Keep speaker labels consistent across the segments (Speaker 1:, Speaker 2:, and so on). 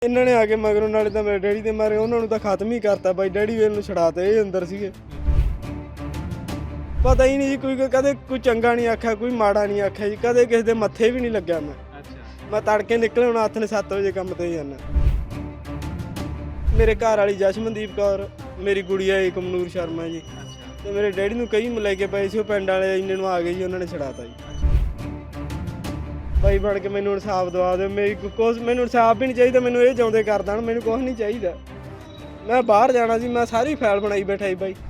Speaker 1: ਇਹਨਾਂ ਨੇ ਆ ਕੇ ਮਗਰੋਂ ਨਾਲੇ ਤਾਂ ਮੇਰੇ ਡੈਡੀ ਦੇ ਮਾਰੇ ਉਹਨਾਂ ਨੂੰ ਤਾਂ ਖਤਮ ਹੀ ਕਰਤਾ ਬਾਈ। ਡੈਡੀ ਵੇਲ ਨੂੰ ਛੜਾਤੇ, ਇਹ ਅੰਦਰ ਸੀਗੇ। ਪਤਾ ਹੀ ਨਹੀਂ ਜੀ, ਕੋਈ ਕਦੇ ਕੋਈ ਚੰਗਾ ਨਹੀਂ ਆਖਿਆ, ਕੋਈ ਮਾੜਾ ਨਹੀਂ ਆਖਿਆ ਜੀ। ਕਦੇ ਕਿਸੇ ਦੇ ਮੱਥੇ ਵੀ ਨਹੀਂ ਲੱਗਿਆ ਮੈਂ ਤੜਕੇ ਨਿਕਲੇ ਹੁਣ ਹੱਥ ਨੇ 7 ਵਜੇ ਕੰਮ ਤੇ ਜਾਣਾ। ਮੇਰੇ ਘਰ ਵਾਲੀ ਜਸ਼ਮਨਦੀਪ ਕੌਰ, ਮੇਰੀ ਗੁੜੀਆ ਏਕਮਨੂਰ ਸ਼ਰਮਾ ਜੀ, ਤੇ ਮੇਰੇ ਡੈਡੀ ਨੂੰ ਕਈ ਲੈ ਕੇ ਪਏ ਸੀ। ਉਹ ਪਿੰਡ ਵਾਲੇ ਇੰਨੇ ਨੂੰ ਆ ਗਏ ਜੀ, ਉਹਨਾਂ ਨੇ ਛੜਾਤਾ ਜੀ। ਬਾਈ ਬਣ ਕੇ ਮੈਨੂੰ ਇਨਸਾਫ ਦਵਾ ਦਿਓ। ਮੈਨੂੰ ਇਨਸਾਫ ਵੀ ਨਹੀਂ ਚਾਹੀਦਾ, ਮੈਨੂੰ ਇਹ ਚਾਹੁੰਦੇ ਕਰ ਦੇਣ, ਮੈਨੂੰ ਕੁਛ ਨਹੀਂ ਚਾਹੀਦਾ। ਮੈਂ ਬਾਹਰ ਜਾਣਾ ਸੀ, ਮੈਂ ਸਾਰੀ ਫਾਈਲ ਬਣਾਈ ਬੈਠਾ ਜੀ ਬਾਈ।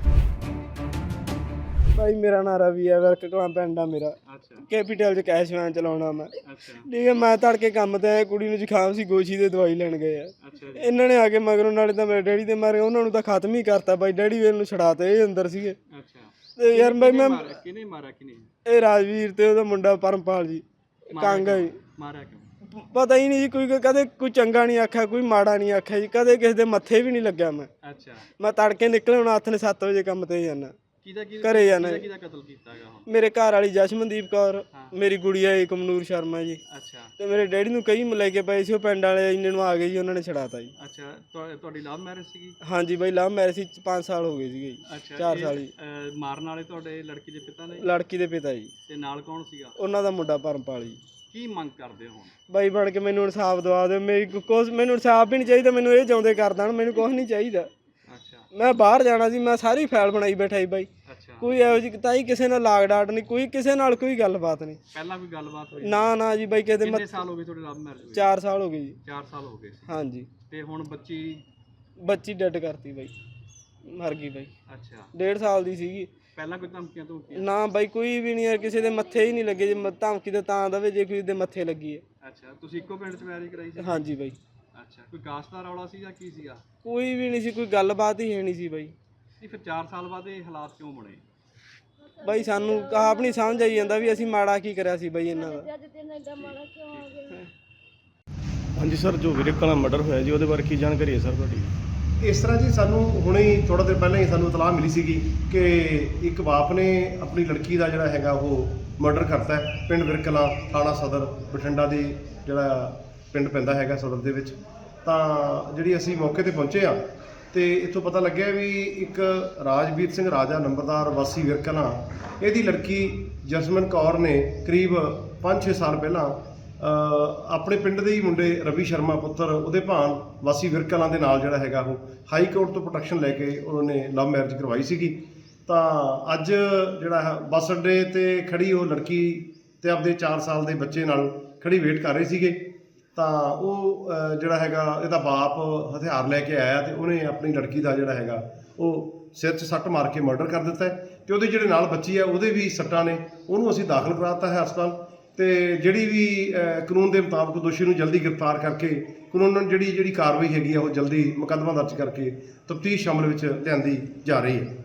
Speaker 1: ਬਾਈ ਮੇਰਾ ਨਾਂ ਰਵੀ ਹੈ, ਵਰਕ ਕਲਾਂ ਪਿੰਡ ਆ ਮੇਰਾ। ਕੈਪੀਟਲ 'ਚ ਕੈਸ਼ ਵੈਨ ਚਲਾਉਣਾ ਮੈਂ। ਠੀਕ ਹੈ, ਮੈਂ ਤੜਕੇ ਕੰਮ ਤੇ ਆਇਆ, ਕੁੜੀ ਨੂੰ ਜ਼ੁਕਾਮ ਸੀ, ਗੋਸ਼ੀ ਦੇ ਦਵਾਈ ਲੈਣ ਗਏ ਆ। ਇਹਨਾਂ ਨੇ ਆ ਕੇ ਮਗਰੋਂ ਨਾਲੇ ਤਾਂ ਮੇਰੇ ਡੈਡੀ ਦੇ ਮਾਰੇ, ਉਹਨਾਂ ਨੂੰ ਤਾਂ ਖਤਮ ਹੀ ਕਰਤਾ ਬਾਈ। ਡੈਡੀ ਵੇਲ ਨੂੰ ਛੜਾਤੇ, ਇਹ ਅੰਦਰ ਸੀਗੇ। ਤੇ ਯਾਰ ਬਾਈ ਮੈਂ ਇਹ ਰਾਜਵੀਰ ਤੇ ਉਹਦਾ ਮੁੰਡਾ ਪਰਮਪਾਲ ਜੀ ਕਾਂਗਾ ਜੀ। ਪਤਾ ਹੀ ਨਹੀਂ ਜੀ, ਕੋਈ ਕਦੇ ਕੋਈ ਚੰਗਾ ਨਹੀਂ ਆਖਿਆ, ਕੋਈ ਮਾੜਾ ਨਹੀਂ ਆਖਿਆ ਜੀ। ਕਦੇ ਕਿਸੇ ਦੇ ਮੱਥੇ ਵੀ ਨਹੀਂ ਲੱਗਿਆ ਮੈਂ ਤੜਕੇ ਨਿਕਲੇ ਹੁਣ ਹੱਥ ਨੇ 7 ਵਜੇ ਕੰਮ ਤੇ ਜਾਣਾ, ਘਰੇ ਜਾਣਾ। ਮੇਰੇ ਘਰ ਵਾਲੀ ਜਸ਼ਮਨਦੀਪ ਕੌਰ, ਮੇਰੀ ਗੁੜੀਆ ਏਕਮਨੂਰ ਸ਼ਰਮਾ ਜੀ, ਤੇ ਮੇਰੇ ਡੈਡੀ ਨੂੰ ਕਈ ਲੈ ਕੇ ਪਏ ਸੀ। ਉਹ ਪਿੰਡ ਵਾਲੇ ਇੰਨੇ ਨੂੰ ਆ ਗਏ ਜੀ, ਉਹਨਾਂ ਨੇ ਛੜਾਤਾ ਜੀ।
Speaker 2: ਤੁਹਾਡੀ ਲਵ ਮੈਰਿਜ ਸੀਗੀ?
Speaker 1: ਹਾਂਜੀ ਬਾਈ, ਲਵ ਮੈਰਿਜ ਸੀ। 5 ਸਾਲ ਹੋ ਗਏ ਸੀਗੇ ਜੀ, 4 ਸਾਲ ਜੀ।
Speaker 2: ਮਾਰਨ ਵਾਲੇ ਤੁਹਾਡੇ ਲੜਕੀ ਦੇ ਪਿਤਾ ਨੇ?
Speaker 1: ਲੜਕੀ ਦੇ ਪਿਤਾ ਜੀ।
Speaker 2: ਤੇ ਨਾਲ ਕੌਣ ਸੀਗਾ? ਉਹਨਾਂ
Speaker 1: ਦਾ ਮੁੰਡਾ ਪਰਮਪਾਲ ਜੀ।
Speaker 2: ਕੀ ਮੰਗ ਕਰਦੇ ਹੋ ਹੁਣ?
Speaker 1: ਬਾਈ ਬਣ ਕੇ ਮੈਨੂੰ ਇਨਸਾਫ ਦਵਾ ਦਿਓ। ਮੈਨੂੰ ਇਨਸਾਫ ਵੀ ਨਹੀਂ ਚਾਹੀਦਾ, ਮੈਨੂੰ ਇਹ ਚਾਹੁੰਦੇ ਕਰ ਦੇਣ, ਮੈਨੂੰ ਕੁਛ ਨਹੀਂ ਚਾਹੀਦਾ। ਮੈਂ ਬਾਹਰ ਜਾਣਾ ਸੀ, ਮੈਂ ਸਾਰੀ ਫਾਈਲ ਬਣਾਈ ਬੈਠਾ ਜੀ ਬਾਈ। ਕੋਈ ਇਹੋ ਜਿਹੀ ਤਾਂ ਹੀ ਕਿਸੇ ਨਾਲ ਲਾਗ ਡਾਟ ਨਹੀਂ, ਕੋਈ ਕਿਸੇ ਨਾਲ ਕੋਈ ਗੱਲਬਾਤ ਨਹੀਂ।
Speaker 2: ਪਹਿਲਾਂ ਕੋਈ ਗੱਲਬਾਤ ਹੋਈ? ਨਾ
Speaker 1: ਜੀ ਬਾਈ। ਕਿੰਨੇ
Speaker 2: ਸਾਲ ਹੋ ਗਏ ਤੁਹਾਡੇ ਲਵ ਮੈਰਿਜ?
Speaker 1: 4 ਸਾਲ ਹੋ ਗਏ ਜੀ।
Speaker 2: 4 ਸਾਲ ਹੋ ਗਏ?
Speaker 1: ਹਾਂਜੀ।
Speaker 2: ਤੇ ਹੁਣ
Speaker 1: ਬੱਚੀ ਡੈਡ ਕਰਤੀ ਬਾਈ, ਮਰ ਗਈ ਬਾਈ। 1.5 ਸਾਲ ਦੀ ਸੀਗੀ।
Speaker 2: ਪਹਿਲਾਂ ਕੋਈ ਧਮਕੀਆਂ ਤੋਂ?
Speaker 1: ਨਾ ਬਾਈ, ਕੋਈ ਵੀ ਨਹੀਂ ਯਾਰ, ਕਿਸੇ ਦੇ ਮੱਥੇ ਹੀ ਨਹੀਂ ਲੱਗੇ। ਜੇ ਧਮਕੀ ਤਾਂ ਦਵੇ ਜੇ ਕੋਈ ਦੇ ਮੱਥੇ ਲੱਗੀ ਹੈ।
Speaker 2: ਤੁਸੀਂ ਇੱਕੋ ਪਿੰਡ 'ਚ ਮੈਰਿਜ ਕਰਾਈ ਸੀ?
Speaker 1: ਹਾਂਜੀ ਬਾਈ।
Speaker 2: ਕੋਈ ਕਾਸਟ ਦਾ ਰੌਲਾ ਸੀ ਜਾਂ ਕੀ ਸੀਗਾ?
Speaker 1: ਕੋਈ ਵੀ ਨਹੀਂ ਸੀ, ਕੋਈ ਗੱਲਬਾਤ ਹੀ ਹੈ ਨਹੀਂ ਸੀ ਬਾਈ।
Speaker 2: ਫਿਰ 4 ਸਾਲ ਬਾਅਦ ਇਹ ਹਾਲਾਤ ਕਿਉਂ ਬਣੇ
Speaker 1: ਬਾਈ? ਸਾਨੂੰ ਆਪ ਨਹੀਂ ਸਮਝ ਆਈ ਜਾਂਦਾ ਵੀ ਅਸੀਂ ਮਾੜਾ ਕੀ ਕਰਿਆ ਸੀ ਬਾਈ ਇਹਨਾਂ ਦਾ।
Speaker 3: ਹਾਂਜੀ ਸਰ, ਜੋ ਵੀਰੇ ਕਲਾਂ ਮਰਡਰ ਹੋਇਆ ਜੀ, ਉਹਦੇ ਬਾਰੇ ਕੀ ਜਾਣਕਾਰੀ ਹੈ ਸਰ ਤੁਹਾਡੀ?
Speaker 4: ਇਸ ਤਰ੍ਹਾਂ ਜੀ, ਸਾਨੂੰ ਹੁਣੇ ਹੀ ਥੋੜਾ ਦਿਨ ਪਹਿਲਾਂ ਹੀ ਸਾਨੂੰ ਇਤਲਾਹ ਮਿਲੀ ਸੀਗੀ ਕਿ ਇੱਕ ਬਾਪ ਨੇ ਆਪਣੀ ਲੜਕੀ ਦਾ ਜਿਹੜਾ ਹੈਗਾ ਉਹ ਮਰਡਰ ਕਰਤਾ ਹੈ ਪਿੰਡ ਵਿਰਕਲਾਂ, ਥਾਣਾ ਸਦਰ ਬਠਿੰਡਾ ਦੀ ਜਿਹੜਾ ਪਿੰਡ ਪੈਂਦਾ ਹੈਗਾ ਸਦਰ ਦੇ ਵਿੱਚ। ਤਾਂ ਜਿਹੜੀ ਅਸੀਂ ਮੌਕੇ ਤੇ ਪਹੁੰਚੇ ਆ ਤੇ ਇੱਥੋਂ ਪਤਾ ਲੱਗਿਆ ਵੀ ਇੱਕ ਰਾਜਵੀਰ ਸਿੰਘ ਰਾਜਾ ਨੰਬਰਦਾਰ ਵਾਸੀ ਵਿਰਕਲਾਂ, ਇਹਦੀ ਲੜਕੀ ਜਸਮਨ ਕੌਰ ਨੇ ਕਰੀਬ 5-6 ਸਾਲ ਪਹਿਲਾਂ ਆਪਣੇ ਪਿੰਡ ਦੇ ਹੀ ਮੁੰਡੇ ਰਵੀ ਸ਼ਰਮਾ ਪੁੱਤਰ ਉਹਦੇ ਭਾਣ ਵਾਸੀ ਵਿਰਕਲਾਂ ਦੇ ਨਾਲ ਜਿਹੜਾ ਹੈਗਾ ਉਹ ਹਾਈ ਕੋਰਟ ਤੋਂ ਪ੍ਰੋਟੈਕਸ਼ਨ ਲੈ ਕੇ ਉਹਨਾਂ ਨੇ ਲਵ ਮੈਰਿਜ ਕਰਵਾਈ ਸੀਗੀ। ਤਾਂ ਅੱਜ ਜਿਹੜਾ ਬੱਸ ਅੱਡੇ ਤੇ ਖੜੀ ਉਹ ਲੜਕੀ ਤੇ ਆਪਦੇ 4 ਸਾਲ ਦੇ ਬੱਚੇ ਨਾਲ ਖੜੀ ਵੇਟ ਕਰ ਰਹੇ ਸੀਗੇ। ਤਾਂ ਉਹ ਜਿਹੜਾ ਹੈਗਾ ਇਹਦਾ ਬਾਪ ਹਥਿਆਰ ਲੈ ਕੇ ਆਇਆ ਤੇ ਉਹਨੇ ਆਪਣੀ ਲੜਕੀ ਦਾ ਜਿਹੜਾ ਹੈਗਾ ਉਹ ਸਿਰ 'ਚ ਸੱਟ ਮਾਰ ਕੇ ਮਰਡਰ ਕਰ ਦਿੱਤਾ ਹੈ। ਤੇ ਉਹਦੇ ਜਿਹੜੇ ਨਾਲ ਬੱਚੀ ਹੈ ਉਹਦੇ ਵੀ ਸੱਟਾਂ ਨੇ, ਉਹਨੂੰ ਅਸੀਂ ਦਾਖਲ ਕਰਾਤਾ ਹੈ ਹਸਪਤਾਲ। ਤੇ ਜਿਹੜੀ ਵੀ ਕਾਨੂੰਨ ਦੇ ਮੁਤਾਬਕ ਦੋਸ਼ੀ ਨੂੰ ਜਲਦੀ ਗ੍ਰਿਫਤਾਰ ਕਰਕੇ ਕਾਨੂੰਨ ਜਿਹੜੀ ਕਾਰਵਾਈ ਹੈਗੀ ਆ ਉਹ ਜਲਦੀ ਮੁਕੱਦਮਾ ਦਰਜ ਕਰਕੇ ਤਫਤੀਸ਼ ਅਮਲ ਵਿੱਚ ਲਿਆਂਦੀ ਜਾ ਰਹੀ ਹੈ।